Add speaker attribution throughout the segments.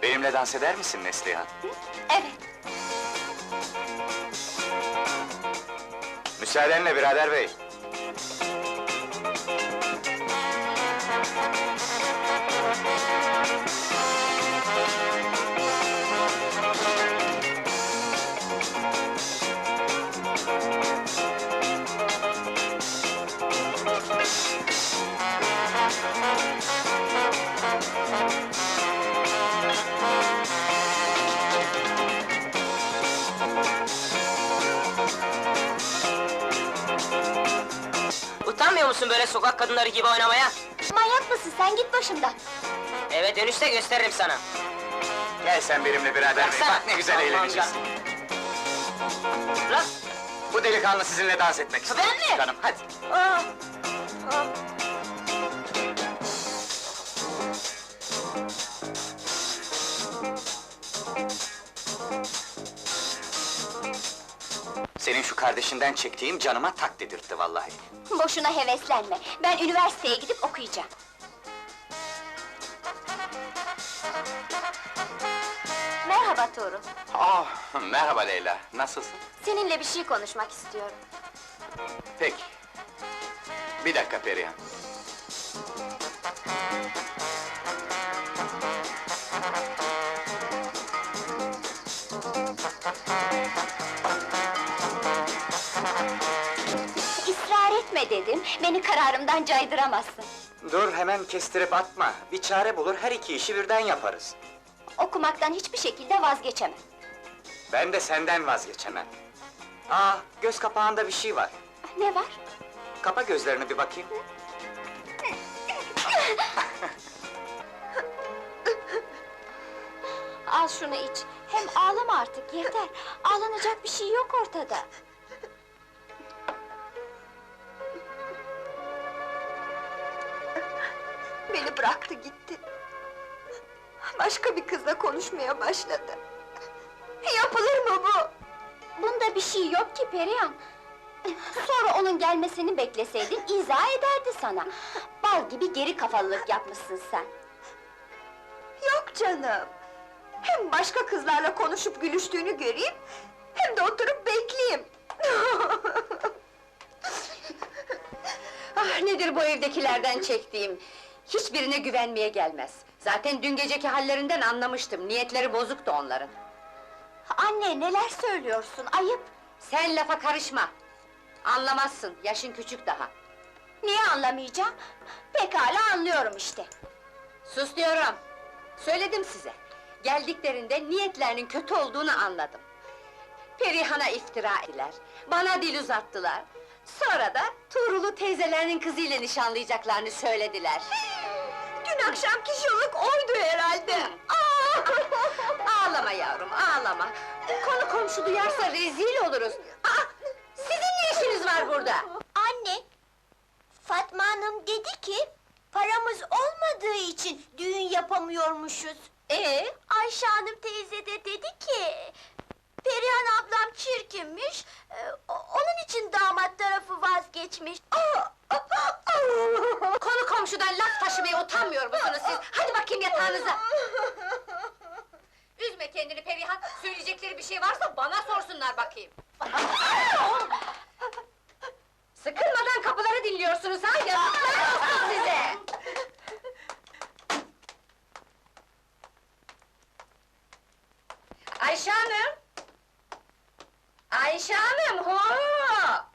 Speaker 1: Benimle dans eder misin Neslihan?
Speaker 2: Evet.
Speaker 1: Müsaadenle birader bey.
Speaker 3: Utanmıyor musun böyle sokak kadınları gibi oynamaya?
Speaker 2: Manyak mısın sen, git başımdan!
Speaker 3: Eve dönüşte gösteririm sana.
Speaker 1: Gel sen benimle birader bey,
Speaker 3: Bıraksana.
Speaker 1: bak ne güzel
Speaker 3: Aman
Speaker 1: eğleneceğiz.
Speaker 3: Bırak!
Speaker 1: Bu delikanlı sizinle dans etmek istiyor.
Speaker 3: Ben mi?
Speaker 1: Canım, hadi.
Speaker 3: Aa! Aa!
Speaker 1: Senin şu kardeşinden çektiğim canıma tak dedirtti vallahi.
Speaker 2: Boşuna heveslenme, ben üniversiteye gidip okuyacağım. Merhaba Tuğrul,
Speaker 1: Oh, merhaba Leyla, nasılsın?
Speaker 2: seninle bir şey konuşmak istiyorum.
Speaker 1: Peki. Bir dakika Perihan.
Speaker 2: İsrar etme dedim, beni kararımdan caydıramazsın.
Speaker 1: Dur, hemen kestirip atma. Bir çare bulur, her iki işi birden yaparız.
Speaker 2: Okumaktan hiçbir şekilde vazgeçemem.
Speaker 1: Ben de senden vazgeçemem. Aa, göz kapağında bir şey var.
Speaker 2: Ne var?
Speaker 1: Kapa gözlerini bir bakayım.
Speaker 2: Al şunu iç, hem ağlama artık, yeter! Ağlanacak bir şey yok ortada.
Speaker 4: Beni bıraktı gitti. Başka bir kızla konuşmaya başladı. Yapılır mı bu?
Speaker 2: Bunda bir şey yok ki Perihan! Sonra onun gelmesini bekleseydin, izah ederdi sana. Bal gibi geri kafalılık yapmışsın sen.
Speaker 4: Yok canım! Hem başka kızlarla konuşup gülüştüğünü göreyim, hem de oturup bekleyeyim!
Speaker 5: Ah, nedir bu evdekilerden çektiğim? Hiçbirine güvenmeye gelmez. Zaten dün geceki hallerinden anlamıştım, niyetleri bozuktu onların.
Speaker 2: Anne, neler söylüyorsun, ayıp!
Speaker 5: Sen lafa karışma! Anlamazsın, yaşın küçük daha.
Speaker 2: Niye anlamayacağım? Pekala anlıyorum işte.
Speaker 5: Sus diyorum! Söyledim size! Geldiklerinde niyetlerinin kötü olduğunu anladım. Perihan'a iftira ettiler, bana dil uzattılar. Sonra da Tuğrul'u teyzelerinin kızıyla nişanlayacaklarını söylediler.
Speaker 4: Dün akşamki şıllık oydu herhalde!
Speaker 5: Ağlama yavrum, ağlama! Konu komşu duyarsa rezil oluruz! Sizin ne işiniz var burada?
Speaker 6: Anne, Fatma Hanım dedi ki, paramız olmadığı için düğün yapamıyormuşuz. Ayşe Hanım teyze de dedi ki, Perihan ablam çirkinmiş, onun için damat tarafı vazgeçmiş.
Speaker 5: Konu komşudan laf taşımaya utanmıyor musunuz siz? Hadi bakayım yatağınıza! Üzme kendini Perihan, söyleyecekleri bir şey varsa bana sorsunlar bakayım! Sıkılmadan kapıları dinliyorsunuz ha, yazıklar olsun size! Ayşe Hanım! Ayşe Hanım, hoo!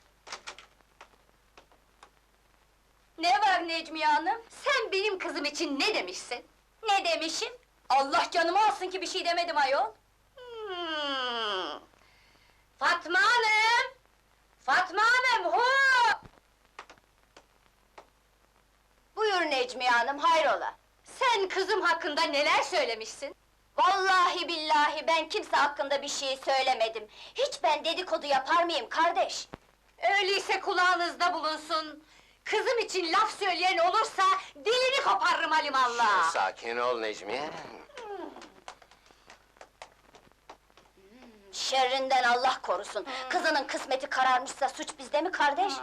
Speaker 2: Ne var Necmiye Hanım?
Speaker 5: Sen benim kızım için ne demişsin?
Speaker 2: Ne demişim? Allah canımı alsın ki bir şey demedim ayol!
Speaker 5: Fatma Hanım! Fatma Hanım, hoo!
Speaker 2: Buyur Necmiye Hanım, hayrola?
Speaker 5: Sen kızım hakkında neler söylemişsin?
Speaker 2: Vallahi billahi ben kimse hakkında bir şey söylemedim. Hiç ben dedikodu yapar mıyım kardeş?
Speaker 5: Öyleyse kulağınızda bulunsun! Kızım için laf söyleyen olursa, dilini koparırım halimallah!
Speaker 7: Sakin ol Necmiye.
Speaker 2: Şerrinden Allah korusun! Kızının kısmeti kararmışsa suç bizde mi kardeş?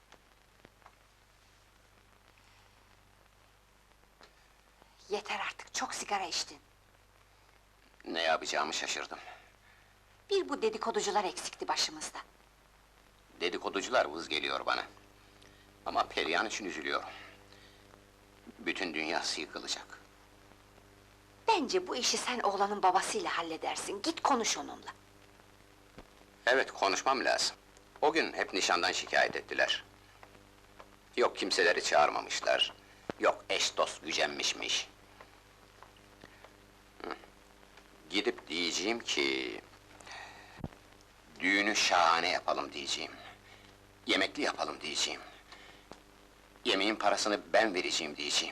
Speaker 5: Yeter artık, çok sigara içtin.
Speaker 7: Ne yapacağımı şaşırdım.
Speaker 5: Bir bu dedikoducular eksikti başımızda.
Speaker 7: Dedikoducular vız geliyor bana. Ama Perihan için üzülüyorum. Bütün dünyası yıkılacak.
Speaker 5: Bence bu işi sen oğlanın babasıyla halledersin, git konuş onunla.
Speaker 7: Evet, konuşmam lazım. O gün hep nişandan şikayet ettiler. Yok kimseleri çağırmamışlar. Yok eş dost gücenmişmiş. Hı. Gidip diyeceğim ki... Düğünü şahane yapalım diyeceğim. Yemekli yapalım diyeceğim. Yemeğin parasını ben vereceğim diyeceğim.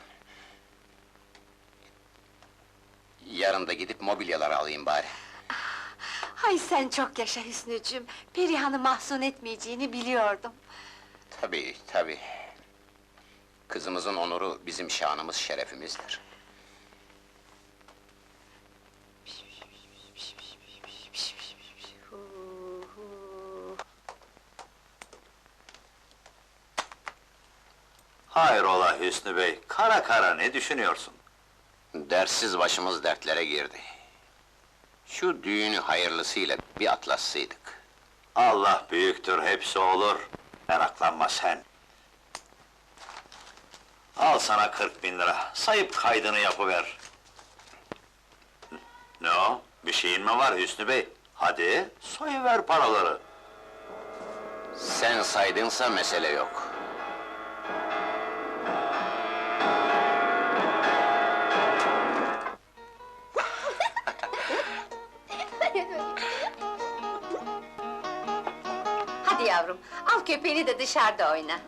Speaker 7: Yarın da gidip mobilyaları alayım bari.
Speaker 5: Hay sen çok yaşa Hüsnücüğüm, Perihan'ı mahzun etmeyeceğini biliyordum.
Speaker 7: Tabii, tabii. Kızımızın onuru bizim şanımız, şerefimizdir.
Speaker 8: Hayrola Hüsnü Bey, kara kara ne düşünüyorsun?
Speaker 7: Dersiz başımız dertlere girdi. Şu düğünü hayırlısıyla bir atlatsaydık.
Speaker 8: Allah büyüktür, hepsi olur. Meraklanma sen. Al sana 40.000 lira, sayıp kaydını yapıver. Ne o, bir şeyin mi var Hüsnü Bey? Hadi, soyuver paraları.
Speaker 7: Sen saydınsa mesele yok.
Speaker 5: Hadi yavrum, al köpeğini de dışarıda oyna.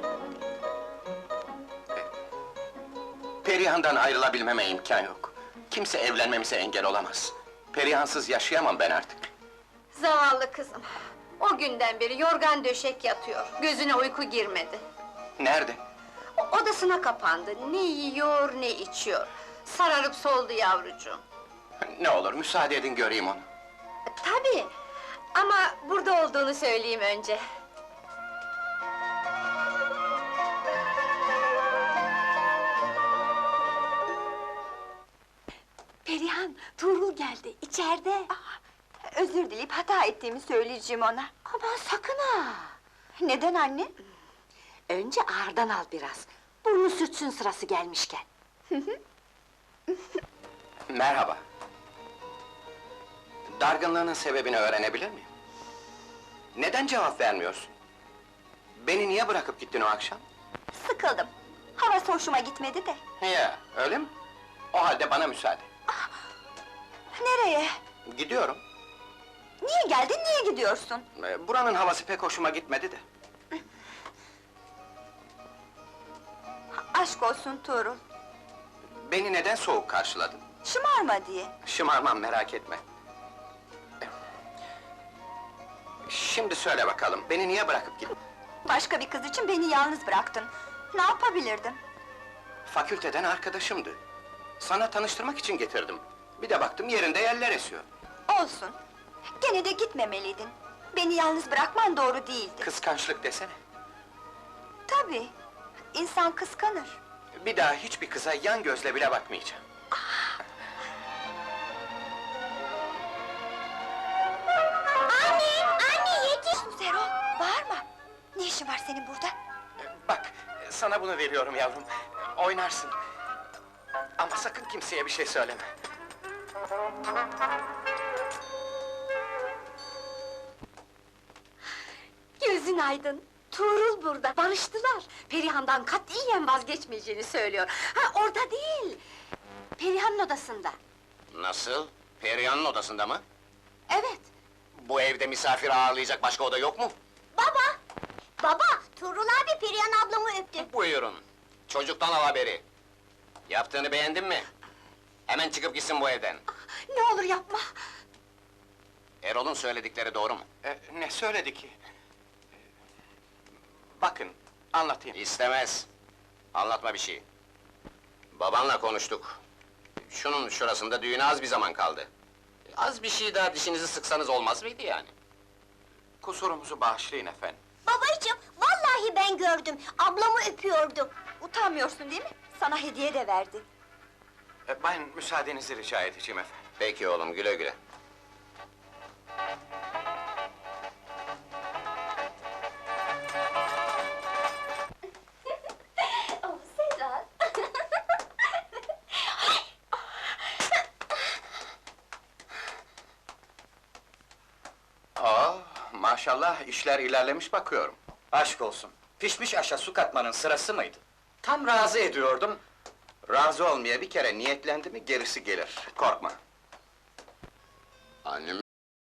Speaker 7: Perihan'dan ayrılabilmeme imkan yok. Kimse evlenmemize engel olamaz. Perihansız yaşayamam ben artık.
Speaker 5: Zavallı kızım, o günden beri yorgan döşek yatıyor, gözüne uyku girmedi.
Speaker 7: Nerede?
Speaker 5: Odasına kapandı, ne yiyor ne içiyor. Sararıp soldu yavrucuğum.
Speaker 7: Ne olur müsaade edin göreyim onu.
Speaker 5: Tabii, ama burada olduğunu söyleyeyim önce. Perihan, Tuğrul geldi, içeride.
Speaker 4: Özür dileyip hata ettiğimi söyleyeceğim ona.
Speaker 5: Aman sakın ha!
Speaker 4: Neden anne?
Speaker 5: Önce ağırdan al biraz, burnu sürtsün sırası gelmişken.
Speaker 7: Merhaba. Dargınlığının sebebini öğrenebilir miyim? Neden cevap vermiyorsun? Beni niye bırakıp gittin o akşam?
Speaker 4: Sıkıldım. Havası hoşuma gitmedi de.
Speaker 7: Ya, öyle mi? O halde bana müsaade.
Speaker 4: Nereye?
Speaker 7: Gidiyorum.
Speaker 4: Niye geldin, niye gidiyorsun?
Speaker 7: Buranın havası pek hoşuma gitmedi de.
Speaker 4: Aşk olsun Tuğrul.
Speaker 7: Beni neden soğuk karşıladın?
Speaker 4: Şımarma diye.
Speaker 7: Şımarmam, merak etme. Şimdi söyle bakalım, beni niye bırakıp gittin?
Speaker 4: Başka bir kız için beni yalnız bıraktın. Ne yapabilirdim?
Speaker 7: Fakülteden arkadaşımdı. Sana tanıştırmak için getirdim. Bir de baktım yerinde yeller esiyor.
Speaker 4: Olsun. Gene de gitmemeliydin. Beni yalnız bırakman doğru değildi.
Speaker 7: Kıskançlık desene.
Speaker 4: Tabii. İnsan kıskanır.
Speaker 7: Bir daha hiçbir kıza yan gözle bile bakmayacağım.
Speaker 6: Anne yetiş!
Speaker 4: Zero, bağırma! Ne işin var senin burada?
Speaker 7: Bak, sana bunu veriyorum yavrum. Oynarsın. Ama sakın kimseye bir şey söyleme.
Speaker 5: Gözün aydın, Tuğrul burada, barıştılar. Perihan'dan katiyen vazgeçmeyeceğini söylüyor. Ha, orada değil! Perihan'ın odasında.
Speaker 7: Nasıl? Perihan'ın odasında mı?
Speaker 5: Evet,
Speaker 7: Bu evde misafir ağırlayacak başka oda yok mu?
Speaker 6: Baba! Baba, Tuğrul abi Perihan ablamı öptü.
Speaker 7: Buyurun. Çocuktan al haberi. Yaptığını beğendin mi? Hemen çıkıp gitsin bu evden.
Speaker 5: ne olur yapma!
Speaker 7: Erol'un söyledikleri doğru mu? Ne söyledi ki? Bakın, anlatayım. İstemez. Anlatma bir şey. Babanla konuştuk. Şunun şurasında düğüne az bir zaman kaldı. Az bir şey daha dişinizi sıksanız olmaz mıydı yani? Kusurumuzu bağışlayın efendim.
Speaker 6: Babacığım, vallahi ben gördüm. Ablamı öpüyordu.
Speaker 4: Utanmıyorsun değil mi? Sana hediye de verdi.
Speaker 1: Ben müsaadenizi rica edeceğim efendim.
Speaker 7: Peki oğlum, güle güle.
Speaker 2: Oh, Sedat!
Speaker 1: Maşallah, işler ilerlemiş bakıyorum. Aşk olsun, pişmiş aşa su katmanın sırası mıydı? Tam razı ediyordum. Razı olmaya bir kere niyetlendi mi gerisi gelir, korkma.
Speaker 7: Annem